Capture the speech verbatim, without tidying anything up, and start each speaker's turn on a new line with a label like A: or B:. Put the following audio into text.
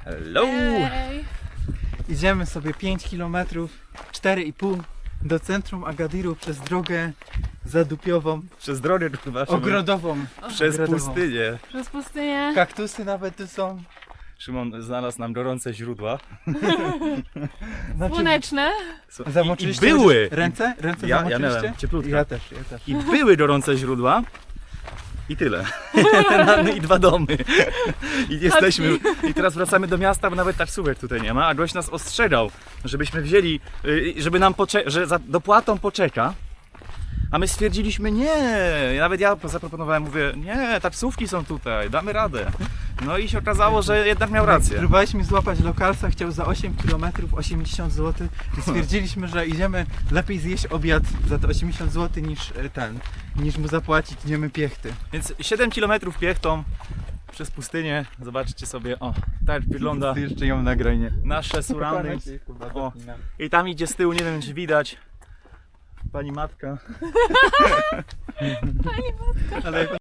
A: Hello!
B: Ej.
C: Idziemy sobie pięć kilometrów, cztery i pół do centrum Agadiru przez drogę zadupiową,
A: Przez drogę kurwa, Szymon.
C: ogrodową.
A: Przez
C: ogrodową.
A: pustynię.
B: Przez pustynię.
C: Kaktusy nawet tu są.
A: Szymon znalazł nam gorące źródła.
C: Znaczy,
B: Słoneczne.
A: I, i
C: zamoczyliście
A: były!
C: ręce? Ręce
A: Ja- ja
C: zamoczyliście?
A: miałem, cieplutko.
C: Ja też, ja też.
A: I były gorące źródła. I tyle. I dwa domy. I jesteśmy. I teraz wracamy do miasta, bo nawet taksówek tutaj nie ma, a gość nas ostrzegał, żebyśmy wzięli, y, żeby nam poczeka, że za dopłatą poczeka. A my stwierdziliśmy nie. Nawet ja zaproponowałem, mówię, nie, taksówki są tutaj, damy radę. No i się okazało, że jednak miał rację.
C: Próbowaliśmy złapać lokalsa, chciał za osiem kilometrów osiemdziesiąt złotych i stwierdziliśmy, że idziemy lepiej zjeść obiad za te osiemdziesiąt złotych niż e, ten, niż mu zapłacić, idziemy piechty.
A: Więc siedem kilometrów piechtą przez pustynię. Zobaczcie sobie, o, tak wygląda
C: Jeszcze ją nagranie.
A: nasze surrounding. O. I tam idzie z tyłu, nie wiem czy widać, pani matka.
B: Pani
C: Ale